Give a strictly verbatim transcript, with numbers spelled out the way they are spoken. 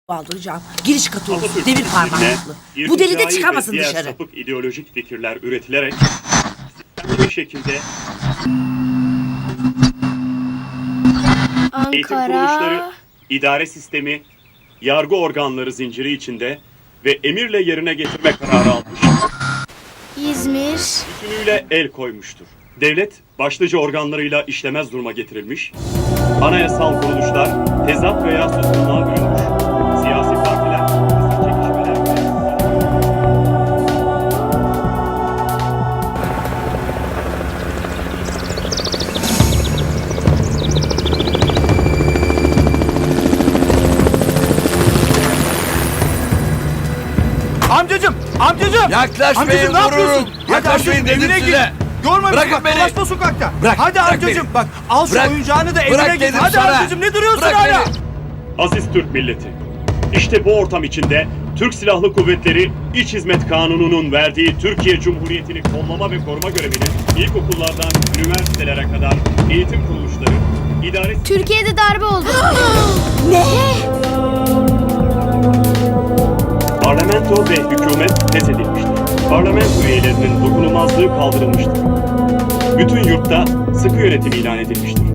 Aldıracağım. Giriş katı olsun. Atatürk Demir fikrine parmaklıklı. Bu deli de irticai çıkamasın ve diğer dışarı. sapık ideolojik fikirler üretilerek sistemli bir şekilde eğitim kuruluşları, Ankara. idare sistemi, yargı organları zinciri içinde ve emirle yerine getirme kararı almış, İzmir. bütünüyle el koymuştur. Devlet başlıca organlarıyla işlemez duruma getirilmiş, anayasal kuruluşlar tezat veya suskunluğa bürünmüş, siyasi partiler kısır çekişmeler ve Amcacım, amcacım. Yaklaşmayın, Amcacım ne vururum. yapıyorsun? Hadi Yaklaşmayın amcacım, dedim evine size. git. Görme Bırakın bak, beni. dolaşma sokakta. Bırak, Hadi bırak amcacım beni. bak, al şu Bırak. oyuncağını da evine Bırak git. dedim Hadi sana. amcacım, ne duruyorsun Bırak hala? beni. Aziz Türk milleti, işte bu ortam içinde Türk Silahlı Kuvvetleri İç Hizmet Kanunu'nun verdiği Türkiye Cumhuriyeti'ni kollama ve koruma görevini ilkokullardan üniversitelere kadar eğitim kuruluşları, idare Türkiye'de darbe oldu. parlamento ve hükümet feshedilmiştir. Parlamento üyelerinin dokunulmazlığı kaldırılmıştır. Bütün yurtta sıkı yönetim ilan edilmiştir.